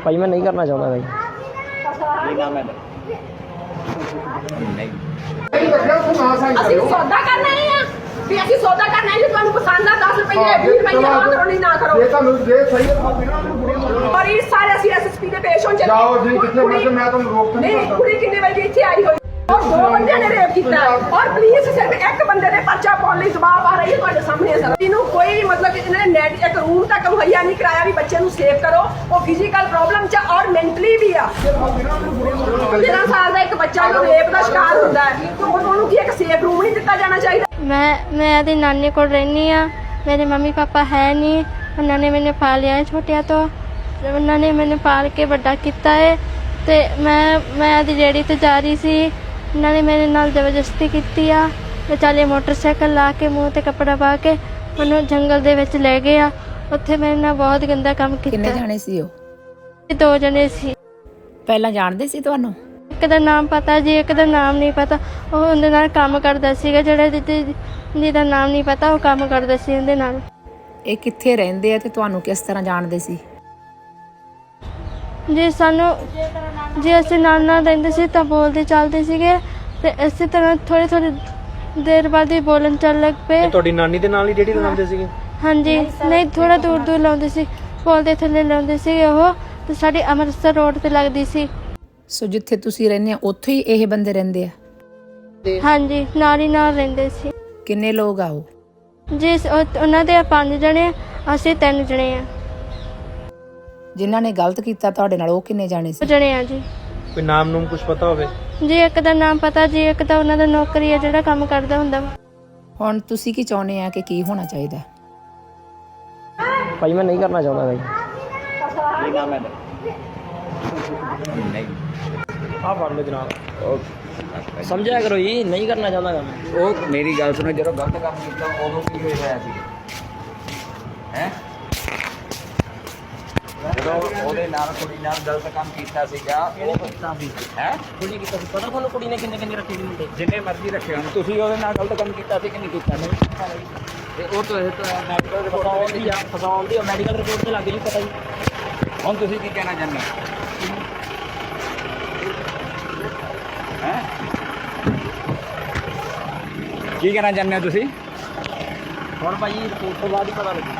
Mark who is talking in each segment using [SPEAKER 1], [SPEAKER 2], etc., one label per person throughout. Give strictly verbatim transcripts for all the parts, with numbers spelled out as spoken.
[SPEAKER 1] भाई मैं नहीं करना चाहता भाई।
[SPEAKER 2] ਅਸੀਂ ਸੌਦਾ ਕਰਨਾ ਹੀ ਆ ਵੀ ਅਸੀਂ ਸੌਦਾ ਕਰਨਾ ਹੈ ਜੇ ਤੁਹਾਨੂੰ ਪਸੰਦ ਆ ਦਸ ਰੁਪਏ ਵੀਹ ਰੁਪਏ ਆ ਕਰੋ ਨਹੀਂ ਨਾ ਕਰੋ।
[SPEAKER 3] ਇਹ ਤੁਹਾਨੂੰ ਜੇ ਸਹੀ ਹੈ
[SPEAKER 2] ਪਰ ਇਹ ਸਾਰੇ ਅਸੀਂ ਐਸਐਸਪੀ ਦੇ ਪੇਸ਼ ਹੋਣ ਚੱਲੇ।
[SPEAKER 3] ਜਾਓ ਜੀ ਕਿੱਥੇ ਮਰਜ਼ੀ ਮੈਂ ਤੁਹਾਨੂੰ ਰੋਕ
[SPEAKER 2] ਨਹੀਂ ਕੁੜੀ ਕਿੰਨੇ ਵਜੇ ਇੱਥੇ ਆਈ ਹੋਈ ਔਰ ਦੋ ਬੰਦਿਆਂ ਨੇ ਰੇਪ ਕੀਤਾ ਔਰ ਪੁਲਿਸ ਸਿਰਫ ਇੱਕ ਬੰਦੇ ਦੇ ਪਰਚਾ ਪਾਉਣ ਲਈ ਦਬਾਅ ਪਾ ਰਹੀ ਹੈ ਤੁਹਾਡੇ ਸਾਹਮਣੇ ਸਰ। ਇਹਨੂੰ ਕੋਈ ਮਤਲਬ ਇਹਨਾਂ ਨੇ ਨੈਟ ਇੱਕ ਰੂਮ ਤੱਕ ਮੁਹੱਈਆ ਨਹੀਂ ਕਰਾਇਆ ਵੀ ਬੱਚੇ ਨੂੰ ਸੇਵ ਕਰੋ। ਉਹ ਫਿਜ਼ੀਕਲ ਪ੍ਰੋਬਲਮ ਚ ਔਰ ਮੈਂਟਲੀ ਵੀ ਆ। ਤੇਰਾਂ ਸਾਲ ਦਾ ਇੱਕ ਬੱਚਾ ਜੋ ਰੇਪ ਦਾ ਸ਼ਿਕਾਰ ਹੁੰਦਾ ਹੈ ਤੇ ਉਹਨੂੰ ਕੀ ਇੱਕ ਸੇਫ ਰੂਮ ਨਹੀਂ ਦਿੱਤਾ ਜਾਣਾ ਚਾਹੀਦਾ।
[SPEAKER 4] ਮੈਂ ਮੈਂ ਆਪਣੀ ਨਾਨੀ ਕੋਲ ਰਹਿੰਦੀ ਹਾਂ। ਮੇਰੇ ਮੰਮੀ ਪਾਪਾ ਹੈ ਨਹੀਂ। ਉਹਨਾਂ ਨੇ ਮੈਨੂੰ ਪਾਲਿਆ ਹੈ ਛੋਟਿਆਂ ਤੋਂ। ਉਹਨਾਂ ਨੇ ਮੈਨੂੰ ਪਾਲ ਕੇ ਵੱਡਾ ਕੀਤਾ ਹੈ ਅਤੇ ਮੈਂ ਮੈਂ ਆਪਣੀ ਰੇਹੜੀ 'ਤੇ ਜਾ ਰਹੀ ਸੀ। ਉਹਨਾਂ ਨੇ ਮੇਰੇ ਨਾਲ ਜ਼ਬਰਦਸਤੀ ਕੀਤੀ ਆ। ਵਿਚਾਲੇ ਮੋਟਰਸਾਈਕਲ ਲਾ ਕੇ ਮੂੰਹ 'ਤੇ ਕੱਪੜਾ ਪਾ ਕੇ ਮੈਨੂੰ ਜੰਗਲ ਦੇ ਵਿੱਚ ਲੈ ਗਏ ਆ। ਉੱਥੇ ਮੇਰੇ ਨਾਲ ਬਹੁਤ ਗੰਦਾ ਕੰਮ ਕੀਤਾ।
[SPEAKER 5] ਕਿੰਨੇ ਜਾਣੇ ਸੀ ਉਹ?
[SPEAKER 4] ਦੋ ਜਣੇ ਸੀ।
[SPEAKER 5] ਪਹਿਲਾਂ ਜਾਣਦੇ ਸੀ ਤੁਹਾਨੂੰ?
[SPEAKER 4] ਇੱਕ ਦਾ ਨਾਮ ਪਤਾ ਜੀ, ਇੱਕ ਦਾ ਨਾਮ ਨਹੀਂ ਪਤਾ। ਉਹ ਉਹਦੇ ਨਾਲ ਕੰਮ ਕਰਦਾ ਸੀਗਾ। ਜਿਹੜਾ ਜਿਹਦਾ ਨਾਮ ਨਹੀਂ ਪਤਾ ਉਹ ਕੰਮ ਕਰਦਾ ਸੀ ਉਹਦੇ ਨਾਲ।
[SPEAKER 5] ਇਹ ਕਿੱਥੇ ਰਹਿੰਦੇ ਆ ਤੇ ਤੁਹਾਨੂੰ ਕਿਸ ਤਰ੍ਹਾਂ ਜਾਣਦੇ ਸੀ?
[SPEAKER 4] ਜੇ ਸਾਨੂੰ ਜੇ ਅਸੀਂ ਨਾਲ ਨਾਲ ਰਹਿੰਦੇ ਸੀ ਤਾਂ ਬੋਲਦੇ ਚੱਲਦੇ ਸੀਗੇ ਤੇ ਇਸੇ ਤਰ੍ਹਾਂ ਥੋੜ੍ਹੀ ਥੋੜ੍ਹੀ ਦੇਰ ਬਾਅਦ ਹੀ ਬੋਲਣ ਚੱਲ ਲੱਗ ਪਏ।
[SPEAKER 1] ਤੁਹਾਡੀ ਨਾਨੀ ਦੇ ਨਾਲ ਹੀ ਰੇਹੜੀ ਲਗਾਉਂਦੇ ਸੀਗੇ?
[SPEAKER 4] ਹਾਂਜੀ ਨਹੀਂ ਥੋੜ੍ਹਾ ਦੂਰ ਦੂਰ ਲਾਉਂਦੇ ਸੀ। ਪੁਲ ਦੇ ਥੱਲੇ ਲਾਉਂਦੇ ਸੀਗੇ ਉਹ ਤੇ ਸਾਡੀ ਅੰਮ੍ਰਿਤਸਰ ਰੋਡ ਤੇ ਲੱਗਦੀ ਸੀ।
[SPEAKER 5] ਸੋ ਜਿੱਥੇ ਤੁਸੀਂ ਰਹਿੰਦੇ ਆ ਉੱਥੇ ਹੀ ਇਹ ਬੰਦੇ ਰਹਿੰਦੇ ਆ?
[SPEAKER 4] ਹਾਂਜੀ ਨਾਲ ਹੀ ਨਾਲ ਰਹਿੰਦੇ ਸੀ।
[SPEAKER 5] ਕਿੰਨੇ ਲੋਕ ਆ ਉਹ?
[SPEAKER 4] ਜੀ ਉਹ- ਉਹਨਾਂ ਦੇ ਪੰਜ ਜਣੇ ਅਸੀਂ ਤਿੰਨ ਜਣੇ ਆ।
[SPEAKER 5] ਜਿਨ੍ਹਾਂ ਨੇ ਗਲਤ ਕੀਤਾ ਤੁਹਾਡੇ ਨਾਲ ਉਹ ਕਿੰਨੇ ਜਾਣੇ ਸੀ?
[SPEAKER 4] ਜਣੇ ਆ ਜੀ।
[SPEAKER 1] ਕੋਈ ਨਾਮ ਨੂਮ ਕੁਝ ਪਤਾ ਹੋਵੇ?
[SPEAKER 4] ਜੀ ਇੱਕ ਦਾ ਨਾਮ ਪਤਾ ਜੀ, ਇੱਕ ਤਾਂ ਉਹਨਾਂ ਦਾ ਨੌਕਰੀ ਹੈ ਜਿਹੜਾ ਕੰਮ ਕਰਦਾ ਹੁੰਦਾ ਵਾ।
[SPEAKER 5] ਹੁਣ ਤੁਸੀਂ ਕੀ ਚਾਹੁੰਦੇ ਆ ਕਿ ਕੀ ਹੋਣਾ ਚਾਹੀਦਾ?
[SPEAKER 1] भाई मैं नहीं करना चाहता भाई। हाँ पढ़ लो जनाब। समझाया करो जी, नहीं करना चाहता मैं।
[SPEAKER 6] ਉਹ ਮੇਰੀ ਗੱਲ ਸੁਣੋ, ਜਦੋਂ ਗਲਤ ਕੰਮ ਕੀਤਾ ਉਦੋਂ ਕੀ ਹੋਇਆ ਸੀ ਹੈ? ਜਦੋਂ ਉਹਦੇ ਨਾਲ ਕੁੜੀ ਨਾਲ ਗਲਤ ਕੰਮ ਕੀਤਾ ਸੀਗਾ ਉਹ ਕੀਤਾ ਸੀ ਹੈ?
[SPEAKER 1] ਕੁੜੀ ਕੀਤਾ ਸੀ ਪਤਾ ਤੁਹਾਨੂੰ ਕੁੜੀ ਨੇ ਕਿੰਨੇ ਕਿੰਨੇ ਰੱਖੇ ਸੀ ਮੁੰਡੇ?
[SPEAKER 6] ਜਿੰਨੇ ਮਰਜ਼ੀ ਰੱਖੇ ਹੋਣ, ਤੁਸੀਂ ਉਹਦੇ ਨਾਲ ਗਲਤ ਕੰਮ ਕੀਤਾ ਸੀ ਕਿ ਨਹੀਂ ਕੀਤਾ? ਨਹੀਂ। ਤੇ ਉਹ ਤੋਂ ਮੈਡੀਕਲ
[SPEAKER 1] ਫਸਾਉਣ ਦੀ
[SPEAKER 6] ਰਿਪੋਰਟ
[SPEAKER 1] ਫਸਾਉਣ ਦੀ ਮੈਡੀਕਲ ਰਿਪੋਰਟ ਤੇ ਲੱਗ ਜੀ ਪਤਾ ਜੀ।
[SPEAKER 6] ਹੁਣ ਤੁਸੀਂ ਕੀ ਕਹਿਣਾ ਚਾਹੁੰਦੇ ਹੈ? ਕੀ ਕਹਿਣਾ ਚਾਹੁੰਦੇ ਹੋ ਤੁਸੀਂ?
[SPEAKER 1] ਹੁਣ ਭਾਈ ਰਿਪੋਰਟ ਤੋਂ ਬਾਅਦ ਹੀ ਪਤਾ ਲੱਗੂ।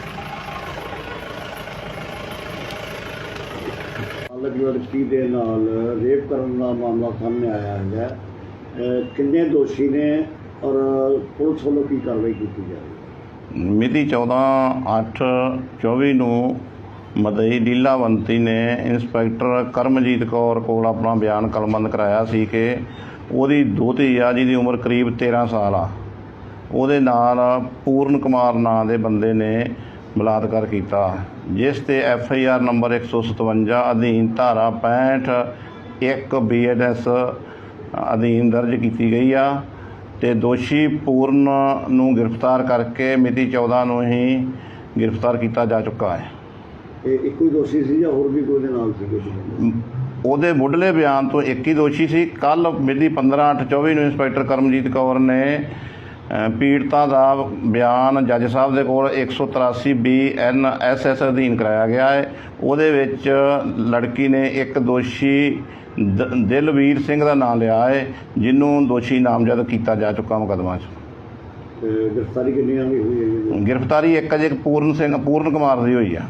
[SPEAKER 7] ਅਲੱਗ ਲੜਕੀ ਦੇ ਨਾਲ ਰੇਪ ਕਰਨ ਦਾ ਮਾਮਲਾ ਸਾਹਮਣੇ ਆਇਆ ਹੈ। ਅਹ ਕਿੰਨੇ ਦੋਸ਼ੀ ਨੇ ਔਰ ਪੁਲਿਸ ਵੱਲੋਂ ਕੀ ਕਾਰਵਾਈ ਕੀਤੀ ਜਾ ਰਹੀ ਹੈ?
[SPEAKER 8] ਮਿਤੀ ਚੌਦਾਂ ਅੱਠ ਚੌਵੀ ਨੂੰ ਮਦਈ ਲੀਲਾਵੰਤੀ ਨੇ ਇੰਸਪੈਕਟਰ ਕਰਮਜੀਤ ਕੌਰ ਕੋਲ ਆਪਣਾ ਬਿਆਨ ਕਲਮਬੰਦ ਕਰਾਇਆ ਸੀ ਕਿ ਉਹਦੀ ਦੋਹਤੀ ਆ ਜਿਹਦੀ ਉਮਰ ਕਰੀਬ ਤੇਰਾਂ ਸਾਲ ਆ, ਉਹਦੇ ਨਾਲ ਪੂਰਨ ਕੁਮਾਰ ਨਾਂ ਦੇ ਬੰਦੇ ਨੇ ਬਲਾਤਕਾਰ ਕੀਤਾ, ਜਿਸ 'ਤੇ ਐਫ ਆਈ ਆਰ ਨੰਬਰ ਇੱਕ ਸੌ ਸਤਵੰਜਾ ਅਧੀਨ ਧਾਰਾ ਪੈਂਹਠ ਇੱਕ ਬੀ ਐਨ ਐਸ ਅਧੀਨ ਦਰਜ ਕੀਤੀ ਗਈ ਆ ਅਤੇ ਦੋਸ਼ੀ ਪੂਰਨ ਨੂੰ ਗ੍ਰਿਫਤਾਰ ਕਰਕੇ ਮਿਤੀ ਚੌਦਾਂ ਨੂੰ ਹੀ ਗ੍ਰਿਫਤਾਰ ਕੀਤਾ ਜਾ ਚੁੱਕਾ ਹੈ।
[SPEAKER 7] ਇਹ ਇੱਕੋ ਹੀ ਦੋਸ਼ੀ ਸੀ ਜਾਂ ਹੋਰ ਵੀ ਕੋਈ ਦੇ ਨਾਲ ਸੀਗੇ?
[SPEAKER 8] ਉਹਦੇ ਮੁੱਢਲੇ ਬਿਆਨ ਤੋਂ ਇੱਕ ਹੀ ਦੋਸ਼ੀ ਸੀ। ਕੱਲ੍ਹ ਮਿਤੀ ਪੰਦਰਾਂ ਅੱਠ ਚੌਵੀ ਨੂੰ ਇੰਸਪੈਕਟਰ ਕਰਮਜੀਤ ਕੌਰ ਨੇ ਪੀੜਤਾ ਦਾ ਬਿਆਨ ਜੱਜ ਸਾਹਿਬ ਦੇ ਕੋਲ ਇੱਕ ਸੌ ਤਰਾਸੀ ਬੀ ਐਨ ਐਸ ਐਸ ਅਧੀਨ ਕਰਾਇਆ ਗਿਆ ਹੈ। ਉਹਦੇ ਵਿੱਚ ਲੜਕੀ ਨੇ ਇੱਕ ਦੋਸ਼ੀ ਦ ਦਿਲਵੀਰ ਸਿੰਘ ਦਾ ਨਾਮ ਲਿਆ ਹੈ, ਜਿਹਨੂੰ ਦੋਸ਼ੀ ਨਾਮਜ਼ਦ ਕੀਤਾ ਜਾ ਚੁੱਕਾ ਮੁਕੱਦਮਾ 'ਚ।
[SPEAKER 7] ਗ੍ਰਿਫਤਾਰੀ ਕਿੰਨੀਆਂ ਦੀ ਹੋਈ ਹੈ?
[SPEAKER 8] ਗ੍ਰਿਫਤਾਰੀ ਇੱਕ ਅਜੇ ਪੂਰਨ ਸਿੰਘ ਪੂਰਨ ਕੁਮਾਰ ਦੀ ਹੋਈ ਆ।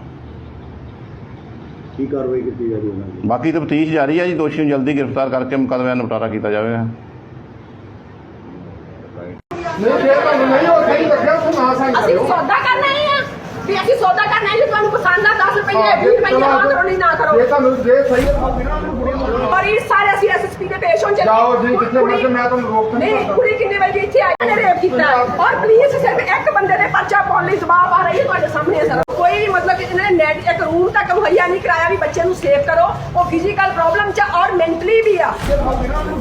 [SPEAKER 7] ਕੀ ਕਾਰਵਾਈ ਕੀਤੀ ਜਾ ਰਹੀ ਉਹਨਾਂ ਦੀ?
[SPEAKER 8] ਬਾਕੀ ਤਫਤੀਸ਼ ਜਾਰੀ ਹੈ ਜੀ। ਦੋਸ਼ੀ ਨੂੰ ਜਲਦੀ ਗ੍ਰਿਫਤਾਰ ਕਰਕੇ ਮੁਕੱਦਮੇ ਦਾ ਨਿਪਟਾਰਾ ਕੀਤਾ ਜਾਵੇਗਾ।
[SPEAKER 3] ਨਹੀਂ ਜੇ ਤੁਹਾਨੂੰ ਨਹੀਂ ਉਹ ਸਹੀ ਲੱਗਿਆ ਤੂੰ ਨਾ ਸਾਈਨ
[SPEAKER 2] ਅਸੀਂ
[SPEAKER 3] ਕਰੋ।
[SPEAKER 2] ਸੌਦਾ ਕਰਨਾ ਹੀ ਆ ਵੀ ਅਸੀਂ ਸੌਦਾ ਕਰਨਾ ਹੈ ਜੇ ਤੁਹਾਨੂੰ ਪਸੰਦ ਆ ਦਸ ਰੁਪਏ ਵੀਹ ਰੁਪਏ ਆ ਕਰੋ ਨਹੀਂ ਨਾ ਕਰੋ।
[SPEAKER 3] ਇਹ ਤੁਹਾਨੂੰ ਜੇ ਸਹੀ ਹੈ
[SPEAKER 2] ਪਰ ਇਹ ਸਾਰੇ ਅਸੀਂ ਐਸਐਸਪੀ ਦੇ ਪੇਸ਼ ਹੋਣ ਚੱਲੇ।
[SPEAKER 3] ਜਾਓ ਜੀ ਕਿੱਥੇ ਮਰਜ਼ੀ ਮੈਂ ਤੁਹਾਨੂੰ ਰੋਕ
[SPEAKER 2] ਨਹੀਂ ਕੁੜੀ ਕਿੰਨੇ ਵਜੇ ਇੱਥੇ ਆਈ ਨੇ ਰੇਪ ਕੀਤਾ ਔਰ ਪੁਲਿਸ ਸਿਰਫ ਇੱਕ ਬੰਦੇ ਦੇ ਪਰਚਾ ਪਾਉਣ ਲਈ ਦਬਾਅ ਪਾ ਰਹੀ ਹੈ ਤੁਹਾਡੇ ਸਾਹਮਣੇ ਸਰ। ਕੋਈ ਮਤਲਬ ਇਹਨਾਂ ਨੇ ਨੈਟ ਇੱਕ ਰੂਮ ਤੱਕ ਮੁਹੱਈਆ ਨਹੀਂ ਕਰਾਇਆ ਵੀ ਬੱਚੇ ਨੂੰ ਸੇਵ ਕਰੋ। ਉਹ ਫਿਜ਼ੀਕਲ ਪ੍ਰੋਬਲਮ ਚ ਔਰ ਮੈਂਟਲੀ ਵੀ ਆ।